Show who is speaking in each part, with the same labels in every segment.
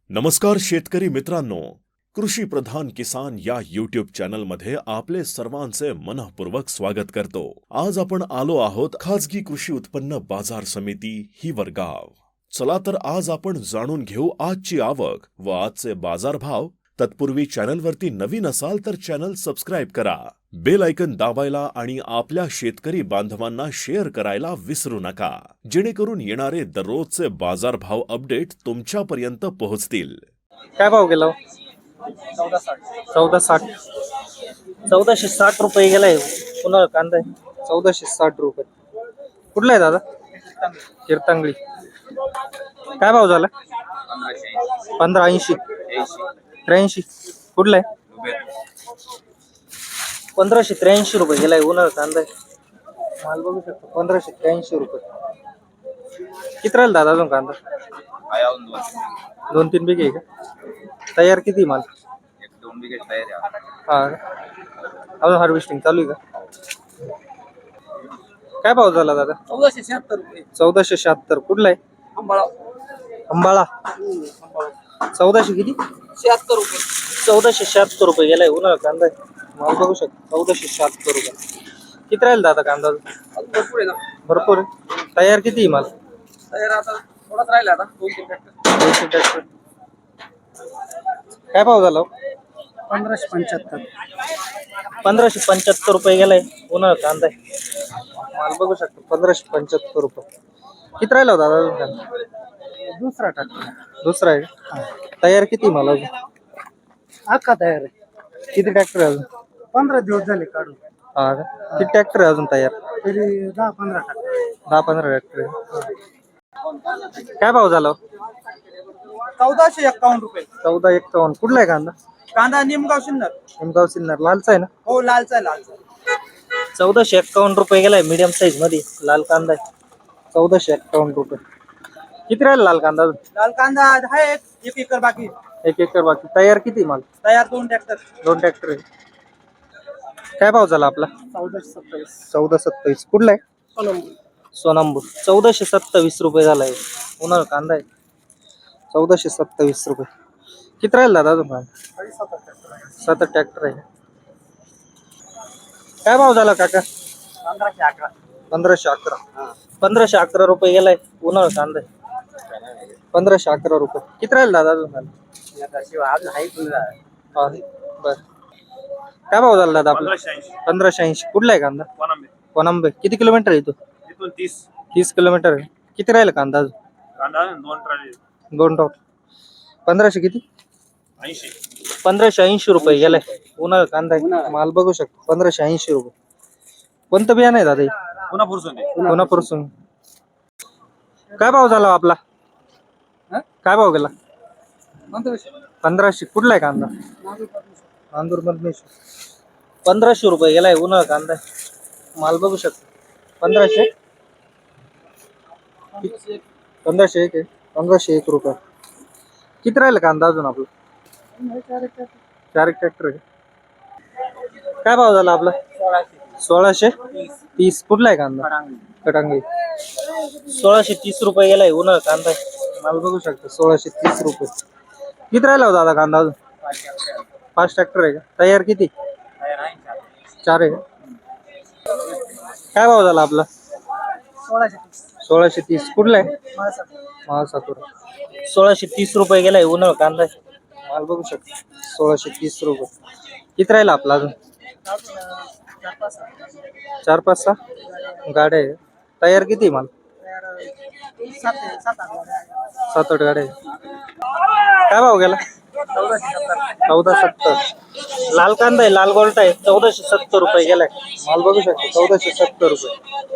Speaker 1: नमस्कार शेतकरी मित्रांनो, कृषी प्रधान किसान या यूट्यूब चॅनलमध्ये आपले सर्वांचे मनःपूर्वक स्वागत करतो। आज आपण आलो आहोत खाजगी कृषी उत्पन्न बाजार समिती हिवरगाव। चला तर आज आपण जाणून घेऊ आजची आवक व आजचे बाजारभाव। तत्पूर्वी चॅनलवरती नवीन असाल तर चॅनल सबस्क्राइब करा, बेल आयकन दाबायला आणि आपल्या शेतकरी बांधवांना शेअर करायला विसरू नका, जेणेकरून येणारे दररोजचे बाजारभाव अपडेट तुमच्यापर्यंत पोहोचतील।
Speaker 2: काय भाव गेला? 1460 1460 रुपये गेलाय। पुन्हा कांदा 1460 रुपये। कुठला आहे दादा? कीर्तंगळी। काय भाव झाला? 1580 83। कुठला आहे? 1583 रुपये गेलाय। उन्हाळा कांदा माल बघू शकतो 1583 रुपये। किती राहिला दादा अजून कांदा? 2-3 बिघे आहे का? तयार किती माल?
Speaker 3: 1-2 बिघे तयार आहे।
Speaker 2: हा, अजून हार्वेस्टिंग चालू आहे का? काय भाव झाला दादा?
Speaker 3: 1476 रुपये।
Speaker 2: 1476। कुठला आहे?
Speaker 3: अंबाळा।
Speaker 2: अंबाळा 1400 किती?
Speaker 3: 76 रुपये।
Speaker 2: 1476 रुपये गेलाय। उन्हाळा कांदा माल बघू शकतो 1476 रुपये। किती राहील दादा कांदा?
Speaker 3: भरपूर आहे ना?
Speaker 2: भरपूर आहे। तयार किती आहे माल?
Speaker 3: तयार आता थोडाच राहिला आता 2-3 ट्रॅक्टर।
Speaker 2: 200 ट्रॅक्टर। काय भाव झाला?
Speaker 3: 1575।
Speaker 2: 1575 रुपये गेलाय। उन्हाळा कांदा माल बघू शकतो 1575 रुपये। किती राहिला होता दादा कांदा?
Speaker 3: दुसरा ट्रॅक्टर।
Speaker 2: दुसरा आहे का? तयार किती माल अजून?
Speaker 3: अख्खा तयार आहे।
Speaker 2: किती ट्रॅक्टर आहे अजून?
Speaker 3: 15 दिवस झाले काढून।
Speaker 2: हा का? किती ट्रॅक्टर आहे अजून तयार?
Speaker 3: तरी 10-15 ट्रॅक्टर।
Speaker 2: 10-15 ट्रॅक्टर आहे। काय भाव झाला?
Speaker 3: 1451 रुपये।
Speaker 2: 1451। कुठला आहे कांदा?
Speaker 3: कांदा निमगाव सिन्नर।
Speaker 2: निमगाव सिन्नर। लालचा आहे ना?
Speaker 3: हो, लालचा आहे, लालचा।
Speaker 2: 1451 रुपये गेलाय। मीडियम साईज मध्ये लाल कांदा आहे। 1451 रुपये। किती राहील लाल कांदा?
Speaker 3: लाल कांदा आहे 1 एकर बाकी।
Speaker 2: 1 एकर बाकी। तयार किती माल?
Speaker 3: तयार 2 ट्रॅक्टर।
Speaker 2: 2 ट्रॅक्टर आहे। काय भाव झाला आपला?
Speaker 3: 1427।
Speaker 2: 1427। कुठला आहे? सोनांबूर। 1427 रुपये झालाय। उन्हाळा कांदा आहे 1427 रुपये। किती राहील दादा अजून? 7 ट्रॅक्टर आहे। काय भाव झाला काका?
Speaker 3: 1511।
Speaker 2: 1511। 1511 रुपये गेलाय। उन्हाळा कांदा आहे 1511 रुपये। किती राहील दादा अजून?
Speaker 3: अजून आहे तुला?
Speaker 2: बर। काय भाव झाला दादा आपला? 1580। कुठला आहे कांदा? कोणंबे। किती किलोमीटर आहे तो?
Speaker 3: इथून 30
Speaker 2: किलोमीटर आहे। किती राहिला कांदा अजून?
Speaker 3: कांदा 2 ट्रॉली।
Speaker 2: 2 टॉप। 1500 किती?
Speaker 3: 80।
Speaker 2: 1580 रुपये गेलाय। उन्हाळा कांदा आहे। माल बघू शकतो 1580 रुपये। कोणतं बियाणं आहे दादा हे? पुन्हा काय भाव झाला आपला? काय भाव गेला? 1500। कुठला आहे कांदा? नांदूर मधनेश्वर। 1500 रुपये गेलाय। उन्हाळा कांदा आहे। माल बघू शकतो 1500 1501 आहे। 1501 रुपये। किती राहिलं कांदा अजून आपला? 4 ट्रॅक्टर आहे। काय भाव झाला आपला? 1630। कुठला आहे कांदा? कटांगी। 1630 रुपये गेलाय। उन्हाळा कांदा आहे। माल बघू शकतो 1630 रुपये। किती राहिला होता दादा कांदा अजून? 5 ट्रॅक्टर आहे का? तयार किती? 4 आहे का? काय भाव झाला आपला? 1630। कुठला आहे? महासातुरा। 1630 रुपये गेलाय। उन्हाळा कांदा आहे। माल बघू शकतो 1630 रुपये। किती राहिला आपला अजून? 4-5-6 गाड्या आहे। तयार किती माल? 7-8 गाड्या आहे। काय भाव गेला? 1470। लाल कांदा आहे, लाल गोल्ट आहे। 1470 रुपये गेलाय। माल बघू शकतो 1470 रुपये।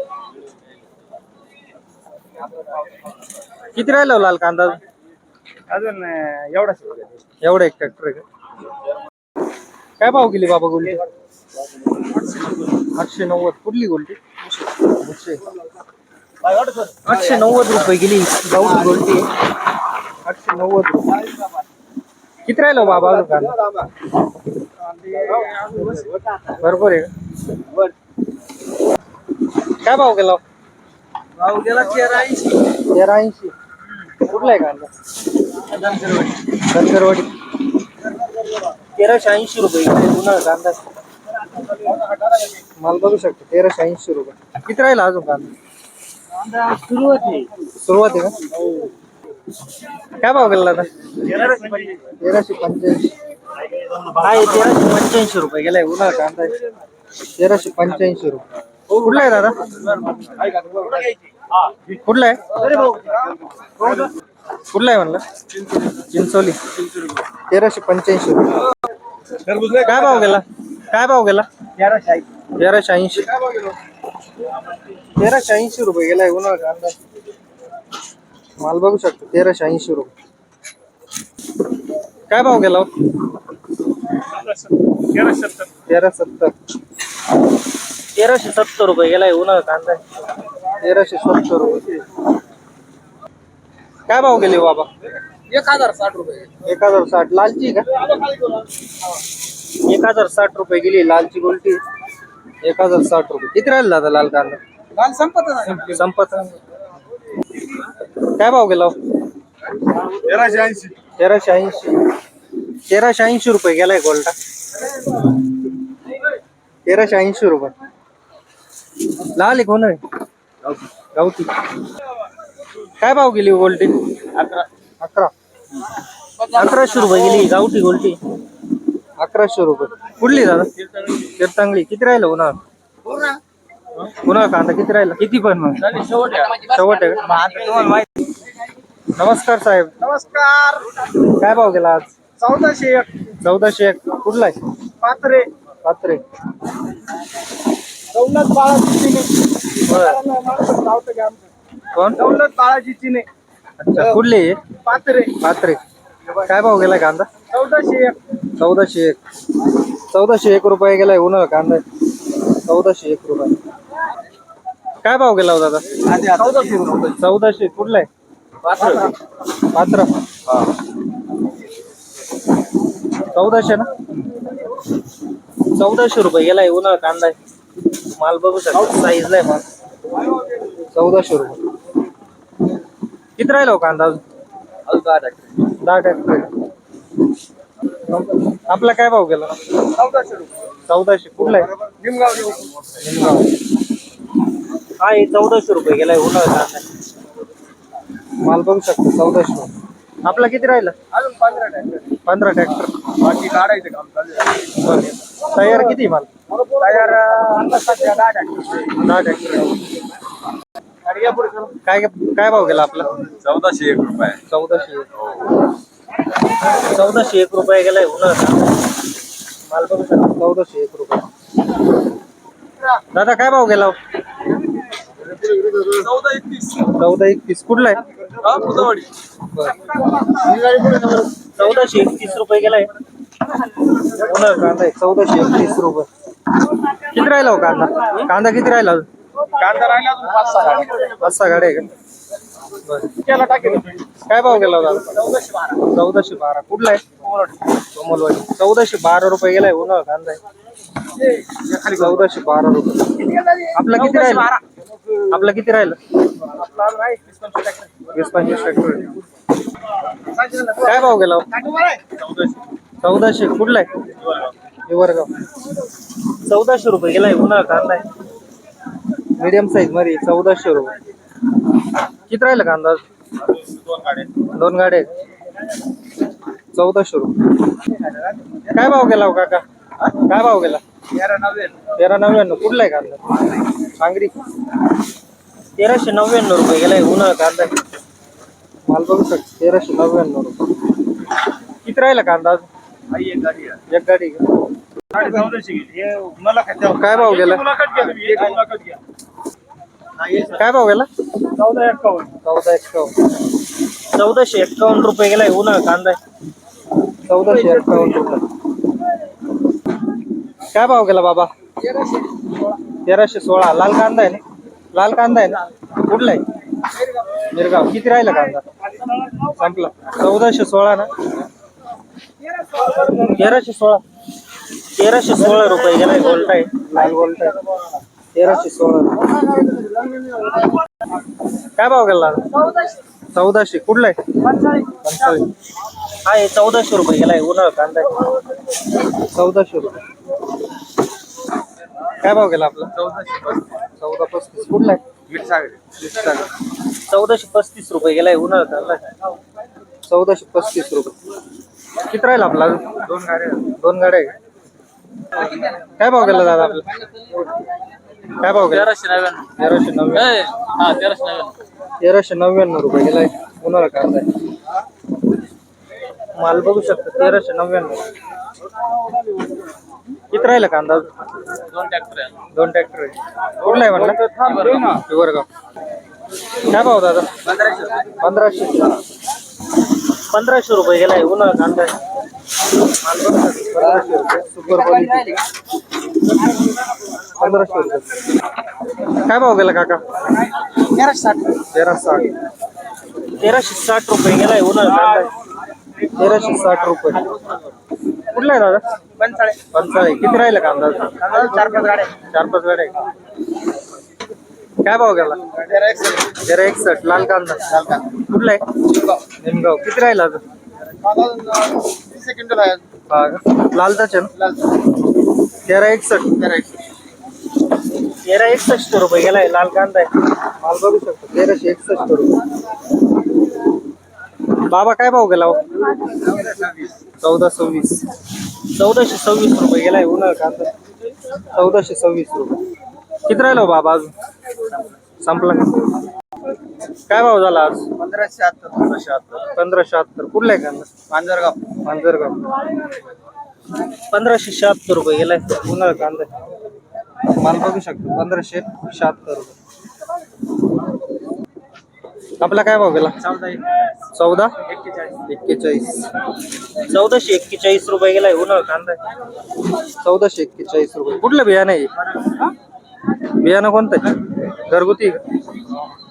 Speaker 2: किती राहिला लाल कांदा
Speaker 3: अजून एवढा
Speaker 2: एवढा? 1 ट्रॅक्टर आहे का? काय भाव गेली बाबा गोल्टी? 890। कुठली गोल्टी? 890 रुपये गेली गावठी गोल्टी। 890 रुपये। किती राहिलो बाबा कांदा? बरोबर आहे का? काय भाव गेला?
Speaker 3: भाव गेला 1380।
Speaker 2: 1380। कुठला आहे कांदा? धनगरवाडी 1380 रुपये उन्हाळा कांदा माल बघू शकतो 1380 रुपये. किती राहिला अजून कांदा? सुरुवात आहे का? काय भाव गेला आता? 1385 आहे. 1385 रुपये गेलाय उन्हाळा कांदा 1385 रुपये. कुठला आहे दादा? कुठला आहे? कुठला आहे म्हणलं? चिंचोली 1385 रुपये. काय भाव गेला? काय भाव गेला? 1380 1380 रुपये गेलाय उन्हाळा कांदा माल बघू शकतो 1380 रुपये. काय भाव गेला? 1370 रुपये गेलाय उन्हाळा कांदा 1370 रुपये. काय भाव गेले बाबा?
Speaker 3: 1060 रुपये.
Speaker 2: 1060. लालची का? 1060 रुपये गेली लालची गोलटी 1060 रुपये. किती राहिला दादा लाल कांदा?
Speaker 3: काल संपत
Speaker 2: संपत. काय भाव गेला?
Speaker 3: 1380.
Speaker 2: 1380 रुपये गेलाय गोल्टा 1380 रुपये. लाल आहे कोण आहे? गावठी. काय भाव गेली गोल्टी? 1100 रुपये गेली गावठी गोल्टी 1100 रुपये. कुठली दादा? तीर्थांगली. किती राहिलं उन्हाळा? उन्हाळा कांदा किती राहिला? किती पण मग शेवट आहे का? नमस्कार साहेब.
Speaker 3: नमस्कार.
Speaker 2: काय भाव गेला आज?
Speaker 3: 1401.
Speaker 2: 1401. कुठला आहे?
Speaker 3: पात्रे.
Speaker 2: पात्रे.
Speaker 3: दौलत बाळाजी चिने.
Speaker 2: कोण?
Speaker 3: दौलत बाळाजी चिने.
Speaker 2: अच्छा. कुठले आहे?
Speaker 3: पात्रे.
Speaker 2: पात्रे. काय भाव गेलाय कांदा?
Speaker 3: 1401.
Speaker 2: 1401. 1401 रुपये गेलाय उन्हाळा कांदा 1401 रुपये. काय भाव गेला दादा?
Speaker 3: 1400 रुपये.
Speaker 2: 1400. कुठला आहे? पात्र. 1400 ना? 1400 रुपये गेलाय उन्हाळा कांदा माल बघू शकतो साईज नाही माल 1400 रुपये. किती राहिला हो कांदा अजून? 10 ट्रॅक्टर. आपला काय भाव गेला?
Speaker 3: 1400 रुपये.
Speaker 2: 1400. कुठला आहे?
Speaker 3: निमगाव.
Speaker 2: निमगाव. हा 1400 रुपये गेलाय उन्हाळा कांदा माल बघू शकतो 1400. आपला किती राहिला?
Speaker 3: अजून 15 ट्रॅक्टर.
Speaker 2: 15 ट्रॅक्टर.
Speaker 3: बाकी काढायचं काम चालू आहे.
Speaker 2: तयार किती माल?
Speaker 3: तयार आता सध्या 10 ट्रॅक्टर.
Speaker 2: 10 ट्रॅक्टर.
Speaker 3: आणि या पुढे चला.
Speaker 2: काय काय भाव गेला आपला?
Speaker 3: 1401 रुपये.
Speaker 2: 1401. 1401 रुपये गेलाय उन्हाळा कांदा माल बघू शकतो 1401 रुपये. दादा काय भाव गेला?
Speaker 3: 1431.
Speaker 2: 1431. कुठला आहे?
Speaker 3: बुधवाडी.
Speaker 2: 1431 रुपये गेलाय उन्हाळा कांदा 1431 रुपये. किती राहिला हो कांदा? कांदा किती राहिला?
Speaker 3: कांदा राहिला अजून 5-6 गाड्या.
Speaker 2: 5-6 गाड्या आहे का? बरं.
Speaker 3: त्याला टाकेल.
Speaker 2: काय भाव गेला होता?
Speaker 3: 1412.
Speaker 2: 1412. कुठला आहे? कोमलवाडी. 1412 रुपये गेलाय उन्हाळा कांदा 1412 रुपये. आपला किती राहिला? आपला किती राहिला? 20-25 ट्रॅक्टर. काय भाव गेला? 1400. कुठला आहे? हिवरगाव. 1400 रुपये गेलाय उन्हाळा कांदा मीडियम साईज मध्ये 1400 रुपये. किती राहिला कांदा? 2 गाड्या 1400 रुपये. काय भाव गेला हो काका? काय भाव गेला? 1399. कुठला आहे कांदा? सांगरी. 1399 रुपये गेलाय उन्हाळा कांदा माल बघू शकतो 1399 रुपये. किती राहिला कांदा? एक गाडी का? काय भाव गेला? काय भाव गेला? 1451 रुपये गेलाय उन्हाळा कांदा 1451 रुपये. काय भाव गेला बाबा? 1316. लाल कांदा आहे ना? लाल कांदा आहे ना? कुठला आहे? मिरगाव. किती राहिला कांदा? संपला. 1416 ना? 1316. 1316 रुपये गेलाय गोल्टा आहे लाल गोल्टा आहे 1316. काय भाव गेला? 1400 कुठला आहे? पंचाळी. हा हे 1400 रुपये गेलाय उन्हाळा कांदा आहे. 1400 रुपये. काय भाव गेला आपला? 1435. कुठला आहे? 1435 रुपये गेलाय उन्हाळा कांदा आहे. 1435 रुपये. किती राहील आपला? दोन गाड्या आहे. काय भाव गेला दादा आपला? काय भाव गेला? 1399. 1399 रुपये गेलाय उन्हाळा कांदा आहे. माल बघू शकता 1399. किती राहिला कांदा? 2 ट्रॅक्टर आहे. कुठला आहे म्हणला? हिवरगाव. काय भाव दादा? 1500. 1500 रुपये गेलाय उन्हाळा कांदा आहे. माल बघू शकता 1500 रुपये. Super quality. 1500 रुपये. काय भाव गेला काका? 1360. 1360 रुपये गेलाय उन्हाळा कांदा आहे. 1360 रुपये. कुठला आहे दादा? पंचाळी. किती राहिलं कांदा? 4-5 गाड्या. काय भाव गेला? 1361. लाल कांदा. कुठला आहे? निमगाव. किती राहिला अजून? लालचाच आहे ना? 1361. 1361 रुपये गेलाय लाल कांदा आहे. माल बघू शकतो 1361 रुपये. बाबा काय भाव गेला? 1426. 1426 रुपये गेलाय उन्हाळा कांदा. 1426 रुपये. किती राहिलो बाबा अजून? संपला. काय भाव झाला आज? 1576. कुठला आहे कांदा? मांजरगाव. 1576 रुपये गेलाय उन्हाळा कांदा. माल बघू शकतो 1576 रुपये. आपला काय भाव गेला? 1441. 1441 रुपये गेलाय उन्हाळा कांदा. 1441 रुपये. कुठलं बियाणं आहे? बियाणं कोणतं आहे? घरगुती का?